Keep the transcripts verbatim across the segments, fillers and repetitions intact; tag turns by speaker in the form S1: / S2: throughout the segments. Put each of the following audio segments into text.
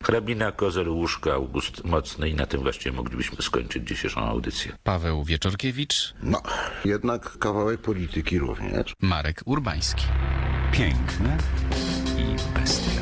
S1: Hrabina, Kozel, Łużka, August Mocny i na tym właściwie moglibyśmy skończyć dzisiejszą audycję.
S2: Paweł Wieczorkiewicz,
S3: No, jednak kawałek polityki również.
S2: Marek Urbański.
S4: Piękne i bestia.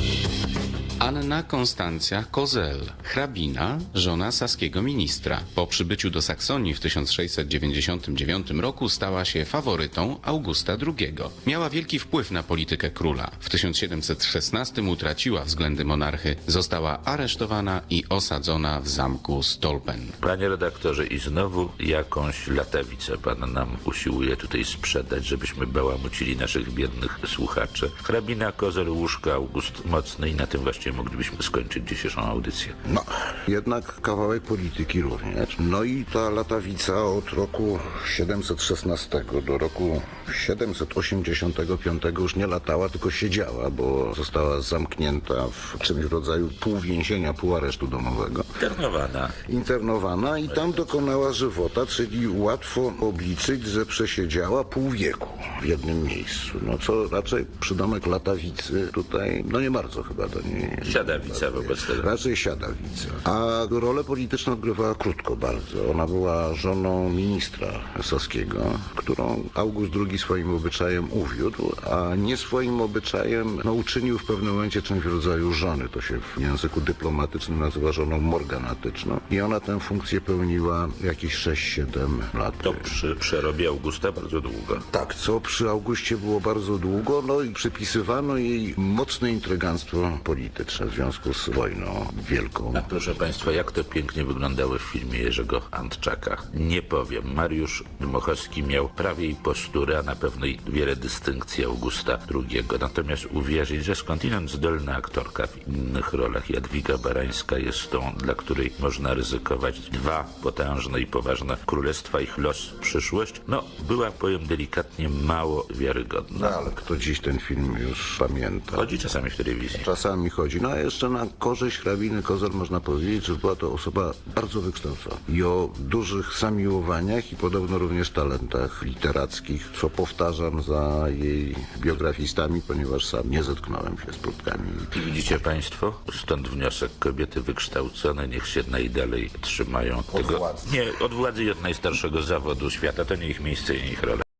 S5: Anna Konstancja Kozel, hrabina, żona saskiego ministra. Po przybyciu do Saksonii w tysiąc sześćset dziewięćdziesiątym dziewiątym roku stała się faworytą Augusta drugiego. Miała wielki wpływ na politykę króla. W tysiąc siedemset szesnastym utraciła względy monarchy, została aresztowana i osadzona w zamku Stolpen.
S1: Panie redaktorze, i znowu jakąś latawicę pan nam usiłuje tutaj sprzedać, żebyśmy bałamucili naszych biednych słuchaczy. Hrabina, Kozel, Łużka, August Mocny i na tym właściwie moglibyśmy skończyć dzisiejszą audycję.
S3: No, jednak kawałek polityki również. No i ta latawica od roku siedemset szesnastego do roku siedemset osiemdziesiątego piątego już nie latała, tylko siedziała, bo została zamknięta w czymś w rodzaju półwięzienia, półaresztu domowego.
S1: Internowana.
S3: Internowana i tam dokonała żywota, czyli łatwo obliczyć, że przesiedziała pół wieku w jednym miejscu. No co raczej przydomek latawicy tutaj, no nie bardzo chyba do niej.
S1: Siadawica wobec tego.
S3: Raczej siadawica. A rolę polityczną odgrywała krótko bardzo. Ona była żoną ministra saskiego, którą August drugi swoim obyczajem uwiódł, a nie swoim obyczajem no, uczynił w pewnym momencie czymś w rodzaju żony. To się w języku dyplomatycznym nazywa żoną morganatyczną. I ona tę funkcję pełniła jakieś sześć siedem lat.
S1: To przy przerobie Augusta bardzo długo.
S3: Tak, co przy Augustie było bardzo długo, no i przypisywano jej mocne intryganstwo polityczne w związku z wojną wielką.
S1: A proszę państwa, jak to pięknie wyglądało w filmie Jerzego Antczaka. Nie powiem, Mariusz Dmochowski miał prawie i posturę, a na pewno i wiele dystynkcji Augusta drugiego. Natomiast uwierzyć, że skądinąd zdolna aktorka w innych rolach, Jadwiga Barańska, jest tą, dla której można ryzykować dwa potężne i poważne królestwa, ich los, przyszłość, no była, powiem delikatnie, mało wiarygodna.
S3: No, ale kto dziś ten film już pamięta?
S1: Chodzi czasami w telewizji.
S3: Czasami chodzi. No a jeszcze na korzyść hrabiny Kozel można powiedzieć, że była to osoba bardzo wykształcona i o dużych zamiłowaniach i podobno również talentach literackich, co powtarzam za jej biografistami, ponieważ sam nie zetknąłem się z próbkami.
S1: I widzicie państwo, stąd wniosek, kobiety wykształcone niech się najdalej trzymają tego.
S3: władzy.
S1: Nie, od władzy i od najstarszego zawodu świata, to nie ich miejsce i nie ich rola.